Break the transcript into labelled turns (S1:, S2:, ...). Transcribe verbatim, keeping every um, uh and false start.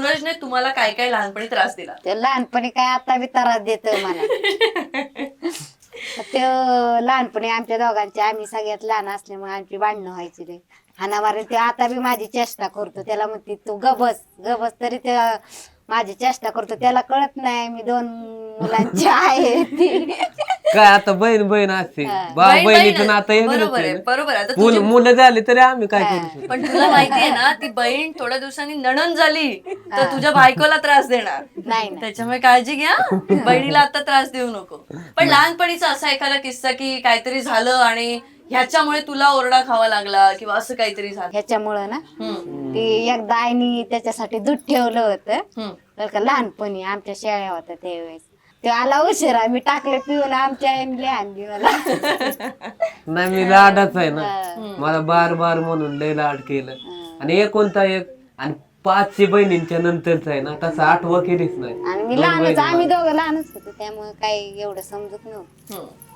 S1: सूरजने तुम्हाला काय काय लहानपणी त्रास दिला?
S2: ते लहानपणी काय आता बी त्रास देतो मला. ते लहानपणी आमच्या दोघांची, आम्ही सगळ्यात लहान असल्यामुळे आमची भांडणं व्हायची रे. हाणामारी ते आता बी माझी चेष्टा करतो, त्याला म्हणते तू गबस गबस, तरी ते माझी चेष्टा करतो. त्याला कळत नाही मी दोन मुलांची आहे ती.
S3: काय आता बहीण बहीण असते, भाऊ
S1: बहीण-
S3: बहिणीचं
S1: बहीण-
S3: नातं वेगळंच
S1: बरोबर
S3: आहे
S1: आहे,
S3: ना.
S1: बरोबर आहे. आता
S3: मुलं
S1: तुझी-
S3: मुलं झाली तरी आम्ही काय करू शकतो.
S1: पण तुला माहितीये ना, ती बहीण थोड्या दिवसांनी नणन झाली तर तुझ्या बायकोला त्रास देणार.
S2: नाही ना.
S1: त्याच्यामुळे काळजी घ्या, बहिणीला आता त्रास देऊ नको. पण लहानपणीचा असा एखादा किस्सा की काहीतरी झालं आणि ह्याच्यामुळे तुला ओरडा खावा लागला किंवा असं काहीतरी झालं?
S2: ह्याच्यामुळं ना
S1: हम्म,
S2: ती एकदा आईनी त्याच्यासाठी दूध ठेवलं होतं
S1: हम्म.
S2: बरं का, लहानपणी आमच्या शेळ्या होत्या त्यावेळेस. ते आला उशिरा, मी टाकले पिऊन, आमच्या आईने आणली मला.
S3: नाही मी लाडाच आहे ना,
S2: हा.
S3: मला बार बार म्हणून लय लाड केलं. आणि एकोणता एक आणि पाचशे बहिणींच्या नंतरच आहे ना, तसं आठवं केलीच नाही.
S2: आणि मी
S3: दोन
S2: लहानच,
S3: बहिणी
S2: आम्ही
S3: मला.
S2: दोघं लहानच होतो त्यामुळे काही एवढं समजत नव्हतं.
S1: हम्म.